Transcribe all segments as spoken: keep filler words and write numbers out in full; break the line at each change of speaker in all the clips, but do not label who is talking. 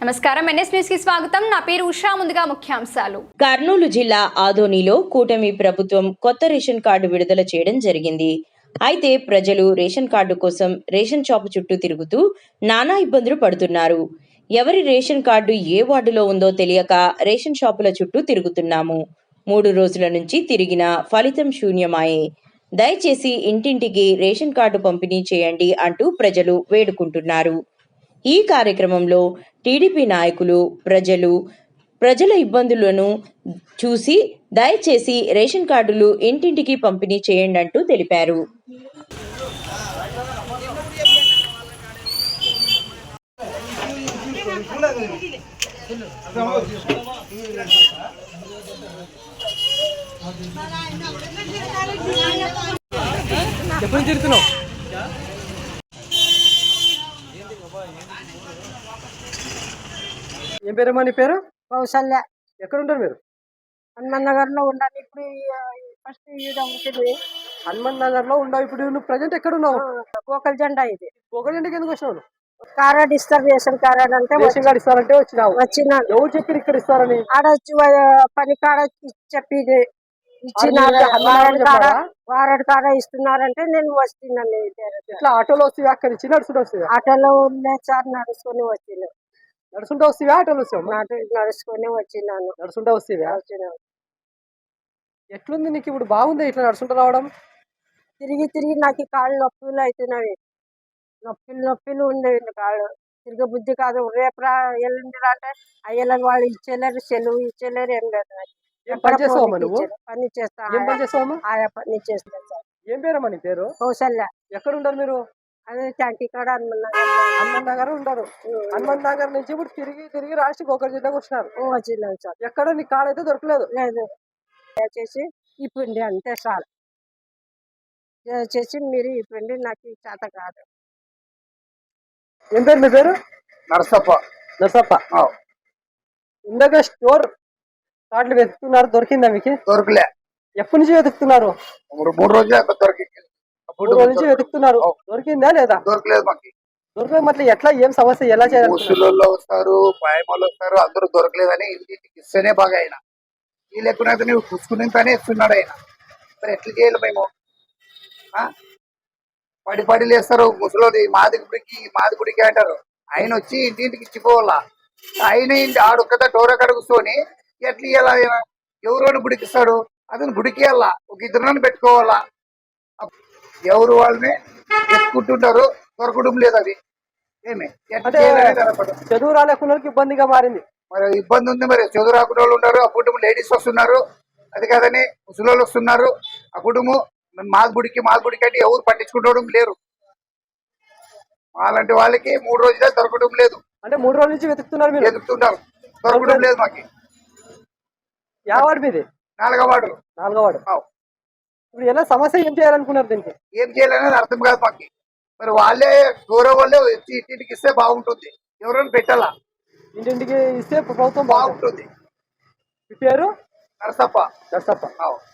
నమస్కారం NS news కి స్వాగతం. నా పేరు ఉషా. ముందుగా ముఖ్యాంశాలు.
కర్నూలు జిల్లా ఆదోనిలో కూటమి ప్రభుత్వం కొత్త రేషన్ కార్డు విడుదల చేయడం జరిగింది. అయితే ప్రజలు రేషన్ కార్డు కోసం రేషన్ షాపు చుట్టూ తిరుగుతూ నానా ఇబ్బందులు పడుతున్నారు. ఎవరి రేషన్ కార్డు ఏ వార్డులో ఉందో తెలియక రేషన్ షాపుల చుట్టూ తిరుగుతున్నాము. మూడు రోజుల నుంచి తిరిగిన ఫలితం శూన్యమాయే. దయచేసి ఇంటింటికి రేషన్ కార్డు పంపిణీ చేయండి అంటూ ప్రజలు వేడుకుంటున్నారు. ఈ కార్యక్రమంలో టీడీపీ నాయకులు ప్రజలు ప్రజల ఇబ్బందులను చూసి దయచేసి రేషన్ కార్డులు ఇంటింటికి పంపిణీ చేయండి అంటూ తెలిపారు.
ఎప్పుడు తిరుగుతున్నావు? ఏం పేరమ్మా నీ పేరు?
కౌసల్య.
ఎక్కడ ఉంటారు మీరు?
హనుమాన్ నగర్ లో ఉండాలి. ఇప్పుడు ఫస్ట్ ఉంటుంది
హనుమాన్ నగర్ లో ఉండవు. ఇప్పుడు నువ్వు ప్రజెంట్ ఎక్కడ ఉన్నావు?
గోకల్ జెండా. ఇది
గోకల్ జెండాకి ఎందుకు వచ్చినావు?
కార్డ్ ఇస్తారు, రేషన్ కార్డ్ అంటే
రేషన్ కార్డు ఇస్తారంటే వచ్చినావు.
వచ్చిన
ఎవరు చెప్పి ఇక్కడ ఇస్తారని?
ఆడ పని కాడ చెప్పి ఇచ్చినారు. వారడ్ కాడ ఇస్తున్నారంటే నేను వస్తున్నాను.
ఇట్లా ఆటోలో వస్తే అక్కడ ఇచ్చి నడుచుకుంటూ వస్తుంది.
ఆటోలో ఉండే సార్ నడుచుకొని వచ్చిన.
నడుచుకుంటూ వస్తేవా ఆటోలో వస్తావు?
నడుచుకొని వచ్చినాను.
నడుచుకుంటూ వస్తేవా?
వచ్చినాను.
ఎట్లుంది నీకు ఇప్పుడు? బాగుంది ఇట్లా నడుచుకుంటూ రావడం?
తిరిగి తిరిగి నాకు కాళ్ళు నొప్పులు అవుతున్నాయి. నొప్పులు నొప్పులు ఉండేవి కాళ్ళు. తిరిగి బుద్ధి కాదు. రేపు రా ఎల్లుండి అంటే అయ్యలకు వాళ్ళు ఇచ్చేలేరు, సెలవు ఇచ్చేలేరు. ఏం లేదు.
పని చేస్తావమ్మా నువ్వు?
పని చేస్తా.
ఏం పని చేస్తావమ్మా?
ఆయా పని చేస్తా సార్.
ఏం పేరమ్మా నీ పేరు?
కౌసల్య.
ఎక్కడ ఉంటారు మీరు?
అదే ట్యాంకీ కాడ హనుమాన్ నగర్.
హనుమాన్ నగర్ ఉంటారు. హనుమాన్ నగర్ నుంచి ఇప్పుడు తిరిగి తిరిగి రాష్ట్ర గోకల్ జిల్లాకు వచ్చినారు.
వచ్చినాను సార్.
ఎక్కడ నీ కార్డు అయితే దొరకలేదు?
లేదు. దయచేసి ఇప్పండి అంతే సార్. దయచేసి మీరు ఇప్పండి. నాకు చేత కాదు.
ఏం పేరు మీ పేరు?
నరసప్ప.
నరసప్ప. ఇందాక స్టోర్ కార్డులు వెతుకుతున్నారు, దొరికిందా మీకు?
దొరకలే.
ఎప్పటి నుంచి వెతుకుతున్నారు?
మూడు రోజులు దొరికింది.
మూడు రోజుల నుంచి వెతుకుతున్నారు. దొరికిందా లేదా?
దొరకలేదు మాకు.
దొరకలేదు. మరి ఎట్లా, ఏం సమస్య, ఎలా చేయాలి?
ముసలిలో వస్తారు, పాయమాలు వస్తారు, అందరూ దొరకలేదని ఇంటికి ఇస్తేనే బాగా అయినా ఈ లేకున్నది నువ్వు పుచ్చుకునేంతనే ఇస్తున్నాడు ఆయన. మరి ఎట్లా చేయాలి మేము? పడి పడి లేస్తారు ముసలోది. మాది గుడికి మాది గుడికి అంటారు. ఆయన వచ్చి ఇంటింటికి ఇచ్చిపోవాలా. ఆయన ఇంటి ఆడొక్కదా డోర కడుగుకొని ఎట్లా ఇవ్వాలా? ఆయన ఎవరు గుడికి ఇస్తాడు? అతను గుడికి వెళ్ళా, ఒక ఇద్దరు పెట్టుకోవాలా. ఎవరు వాళ్ళని ఎత్తుకుంటుంటారు, దొరకడం లేదు. అది ఏమి
చదువు రాలేకున్న ఇబ్బందిగా మారింది.
మరి ఇబ్బంది ఉంది. మరి చదువు రాకుండా వాళ్ళు ఉన్నారు. ఆ కుటుంబం లేడీస్ వస్తున్నారు, అది కాదని ముసలోళ్ళు వస్తున్నారు. ఆ కుటుంబం మా గుడికి మా గుడికి అంటే ఎవరు పట్టించుకుంటడం లేరు. అలాంటి వాళ్ళకి మూడు రోజులే దొరకడం లేదు.
అంటే మూడు రోజుల నుంచి వెతుకుతున్నారు మీరు?
వెతుకుతుంటారు, దొరకడం లేదు మాకు.
యా వార్డు మీది?
నాలుగో వార్డు.
నాలుగో వార్డు. ఇప్పుడు ఎలా సమస్య, ఏం చేయాలనుకున్నారు? దీనికి
ఏం చేయాలనేది అర్థం కాదు మాకు. మరి వాళ్ళే గౌరవ వాళ్ళే వచ్చి ఇంటింటికి ఇస్తే బాగుంటుంది. ఎవరైనా పెట్టాలా?
ఇంటింటికి ఇస్తే ప్రభుత్వం
బాగుంటుంది.
మీ పేరు?
నరసప్ప.
నరసప్ప.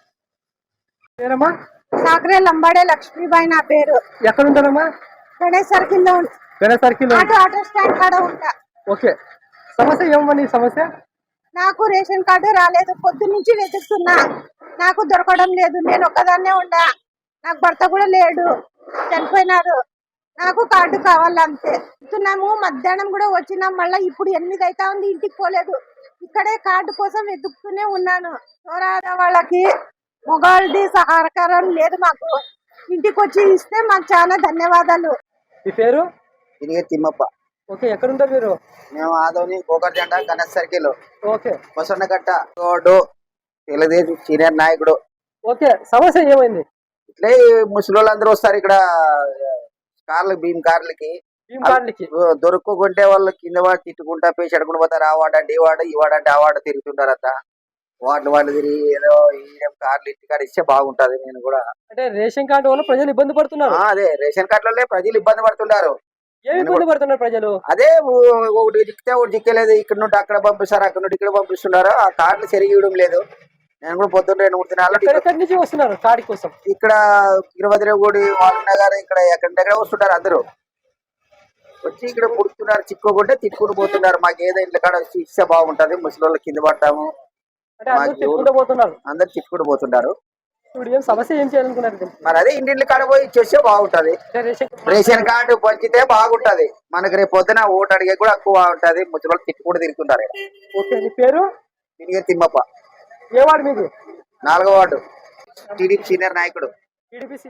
పేరమ్మా?
సాకరే లంబాడే లక్ష్మీబాయి నా పేరు.
ఎక్కడ ఉంటారమ్మా?
గణేష్ సర్కిల్ లో.
Ganesh circle.
Auto auto stand కాడ ఉంటా.
ఓకే. సమస్య ఏమమ్మా నీ సమస్య?
నాకు రేషన్ కార్డు రాలేదు. పొద్దు నుంచి వెతుకుతున్నా, నాకు దొరకడం లేదు. నేను ఒక్కదాన్నే ఉండా. నాకు భర్త కూడా లేడు, చనిపోయినారు. నాకు కార్డు కావాలి అంతే. వెతుకుతున్నాము. మధ్యాహ్నం కూడా వచ్చినాం. మళ్ళీ ఇప్పుడు ఎనిమిది అవుతా ఉంది, ఇంటికి పోలేదు. ఇక్కడే కార్డు కోసం వెతుకుతూనే ఉన్నాను. చోరాడ వాళ్ళకి మొగాళ్ళది సహకారం లేదు మాకు. ఇంటికి వచ్చి ఇస్తే మాకు చాలా ధన్యవాదాలు.
మీ పేరు?
తిమ్మప్ప.
ఓకే. ఎక్కడ ఉంటారు మీరు?
మేము ఆదోని గోకర్ జెండా Ganesh circle.
Okay.
Kosannagatta road, Telugu Desam senior నాయకుడు.
ఓకే. సమస్య ఏమైంది?
ఇట్లే ముసలి అందరూ వస్తారు ఇక్కడ కార్లు, భీమ్ కార్లకి.
భీమ్ కార్లకి
దొరుకుకుంటే వాళ్ళు కింద వాడు తిట్టుకుంటా పేసి అడుగుని పోతారు. ఆ వాడు అంటే ఈ వాడు, ఈ వాడు అంటే ఆ వాడు తిరుగుతుంటారు. అంతా వాటిని వాళ్ళు తిరిగి ఏదో ఈ కార్లు ఇంటికాడ ఇస్తే బాగుంటది. నేను కూడా
అంటే రేషన్ కార్డు వల్ల ప్రజలు ఇబ్బంది పడుతున్నారు.
అదే రేషన్ కార్డులలో ప్రజలు ఇబ్బంది పడుతున్నారు.
ఏమి ఇబ్బంది పడుతున్నారు ప్రజలు?
అదే ఒకటి చిక్కితే ఒకటి చిక్కలేదు. ఇక్కడ నుండి అక్కడ పంపిస్తారు, అక్కడ నుండి ఇక్కడ పంపిస్తున్నారు. ఆ కార్డులు సరిగి ఇవ్వడం లేదు. నేను కూడా పొద్దున్న రెండు మూడు దినాలు
ఎక్కడి నుంచి వస్తున్నారు కాడి కోసం?
ఇక్కడ తిరుపతిరేవుడి వాల్నగర్ ఇక్కడ ఎక్కడ దగ్గర వస్తుంటారు అందరూ. వచ్చి ఇక్కడ పుడుతున్నారు, చిక్కుకుంటే తిట్టుకుని పోతున్నారు. మాకు ఏదో ఇంట్లో కాడ శిక్ష బాగుంటది, ముసలి కింద పడతాము,
అంటే అందరూ తిట్టుకుంటూ పోతున్నారు.
అందరు తిట్టుకుని పోతున్నారు.
ఇప్పుడు ఏం సమస్య ఏం చేయాలనుకున్నారు దీనికి?
మరి అదే ఇంటింటి కాడ పోయి చేస్తే బాగుంటది.
అంటే రేషన్
రేషన్ కార్డు పంచితే బాగుంటది. మనకి రేపు పొద్దున ఓటు అడిగే కూడా ఎక్కువ ఉంటది. ముసలి తిట్టుకుంటూ తిరుగుతుంటారు.
ఓకే, నీ పేరు?
తిరిగే తిమ్మప్ప,
ఏ వార్డు మీది?
నాలుగో వార్డు, టీడీపీ సీనియర్ నాయకుడు.
టీడీపీ